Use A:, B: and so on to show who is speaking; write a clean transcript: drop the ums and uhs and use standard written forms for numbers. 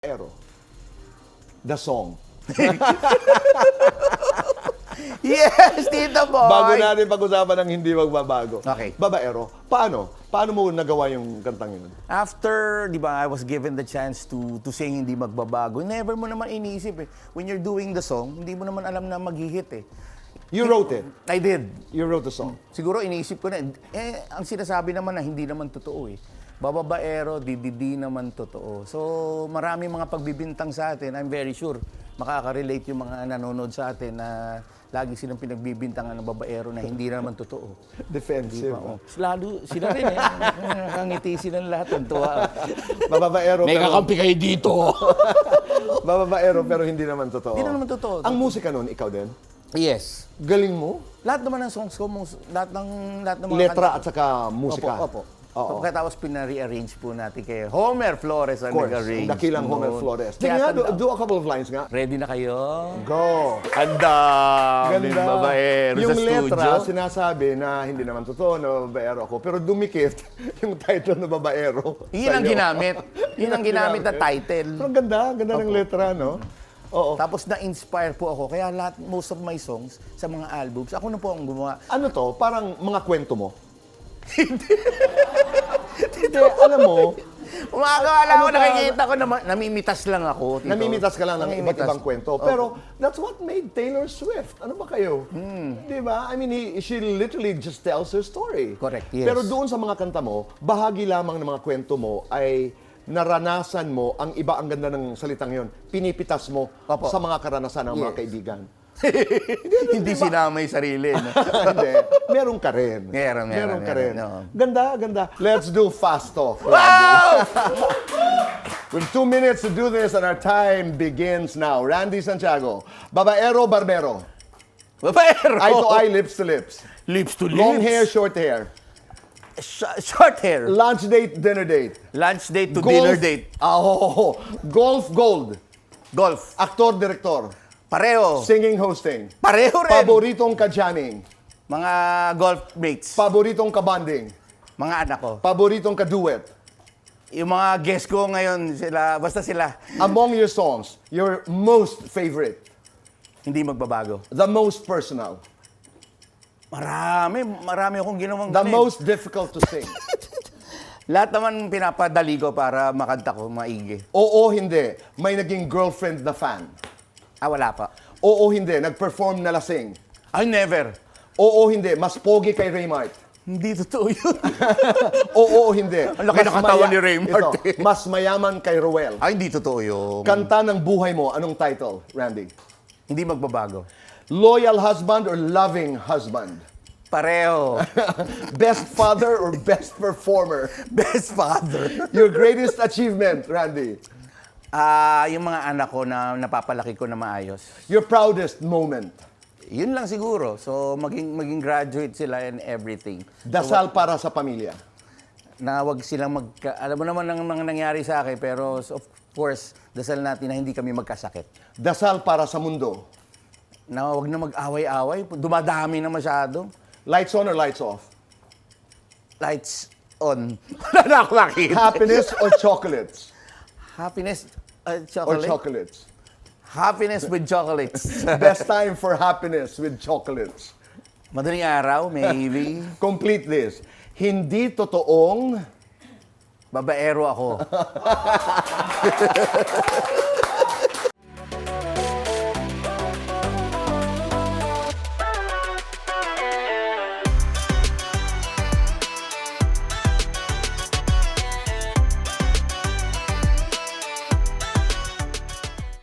A: Ero. The song.
B: Yes, Tito Boy!
A: Bago natin pag-usapan ng hindi magbabago.
B: Okay.
A: Babaero, paano? Paano mo nagawa yung kantang yun?
B: After, di ba, I was given the chance to sing Hindi Magbabago, never mo naman iniisip eh. When you're doing the song, hindi mo naman alam na mag-hit eh.
A: You wrote it.
B: I did.
A: You wrote the song.
B: Siguro iniisip ko na, ang sinasabi naman na hindi naman totoo eh. Bababaero, di naman totoo. So, marami mga pagbibintang sa atin. I'm very sure makaka-relate yung mga nanonood sa atin na lagi silang pinagbibintangan ng babaero na hindi naman totoo.
A: Defensive.
B: Lalo, sila rin eh. Nakangiti silang lahat. Ang tuwa.
A: Babaero,
B: May kakampi kayo dito.
A: Babaero, pero hindi naman totoo.
B: Hindi naman totoo.
A: Ang musika nun, ikaw din?
B: Yes.
A: Galing mo?
B: Lahat naman ng songs ko, lahat ng mga
A: Letra
B: kanta
A: at saka musika.
B: Opo.
A: Oo.
B: Pagkatapos pina-rearrange po natin kay Homer Flores ang
A: Of course,
B: nag-arrange.
A: dakilang Homer
B: noon.
A: Flores.
B: Kaya
A: Tingnan nga,
B: tanda-
A: do a couple of lines nga.
B: Ready na kayo?
A: Go!
B: Ang daming babaero
A: Yung
B: sa
A: letra,
B: studio.
A: sinasabi na hindi naman totoo na babaero ako, pero dumikit yung title na babaero.
B: Yun ang
A: sa'yo.
B: ginamit. Yun ang ginamit na title.
A: Pero ganda ng letra, no? Oo.
B: Tapos na-inspire po ako. Kaya most of my songs sa mga albums, ako na po ang gumawa.
A: Ano to? Parang mga kwento mo? Hindi, alam mo,
B: Umagawa lang ako,
A: Ano ka?
B: nakikita ko na namimitas lang ako. Tito.
A: namimitas ka lang ng iba't
B: Namimitas.
A: ibang kwento. Pero that's what made Taylor Swift. Ano ba kayo? Di ba? I mean, she literally just tells her story.
B: Correct, yes.
A: Pero doon sa mga kanta mo, bahagi lamang ng mga kwento mo ay naranasan mo, ang iba, ang ganda ng salitang yon, pinipitas mo
B: Opo.
A: sa mga karanasan ng mga
B: Yes.
A: kaibigan.
B: Hindi sinama yung sarili. No?
A: Hindi. Meron ka rin.
B: Meron
A: ka rin.
B: no.
A: Ganda. Let's do fast talk.
B: Wow!
A: We have 2 minutes to do this and our time begins now. Randy Santiago, babaero, barbero.
B: Babaero!
A: Eye to eye, lips to lips.
B: Lips to lips.
A: Long hair, short hair.
B: Short hair.
A: Lunch date, dinner date.
B: Lunch date to dinner date.
A: Golf, gold.
B: Golf.
A: Aktor, direktor.
B: Pareho.
A: Singing, hosting.
B: Pareho rin.
A: Paboritong ka-jamming.
B: Mga golf mates.
A: Paboritong ka-bonding.
B: Mga anak ko.
A: Paboritong ka-duet.
B: Yung mga guest ko ngayon, basta sila,
A: Among your songs, your most favorite.
B: hindi magbabago.
A: The most personal.
B: Marami akong ginawang
A: The
B: ganun.
A: most difficult to sing.
B: Lahat naman pinapadali ko para makanta ko maigi.
A: Oo, hindi. May naging girlfriend na fan.
B: Wala pa.
A: Oo, hindi. Nag-perform na lasing.
B: I never.
A: Oo, hindi. Mas pogi kay Raymart.
B: Hindi totoo yun.
A: Oo, hindi.
B: Ang laki ng katawan ni Raymart.
A: Ito, mas mayaman kay Ruel.
B: Hindi totoo yun.
A: Kanta ng buhay mo, anong title, Randy?
B: Hindi magbabago.
A: Loyal husband or loving husband?
B: Pareho.
A: Best father or best performer?
B: Best father.
A: Your greatest achievement, Randy?
B: Yung mga anak ko na napapalaki ko na maayos.
A: Your proudest moment?
B: Yun lang siguro. So, maging graduate sila and everything.
A: Dasal para sa pamilya?
B: Na wag silang alam mo naman ang mga nangyari sa akin, pero of course, dasal natin na hindi kami magkasakit.
A: Dasal para sa mundo?
B: Na wag na mag-away-away. Dumadami na masyado.
A: Lights on or lights off?
B: Lights on. Wala na ako nakita.
A: Happiness or chocolates?
B: Happiness,
A: Or
B: chocolate.
A: chocolates?
B: Happiness with chocolates.
A: Best time for happiness with chocolates.
B: Madaling araw, maybe.
A: Complete this. Hindi totoong
B: Babaero ako.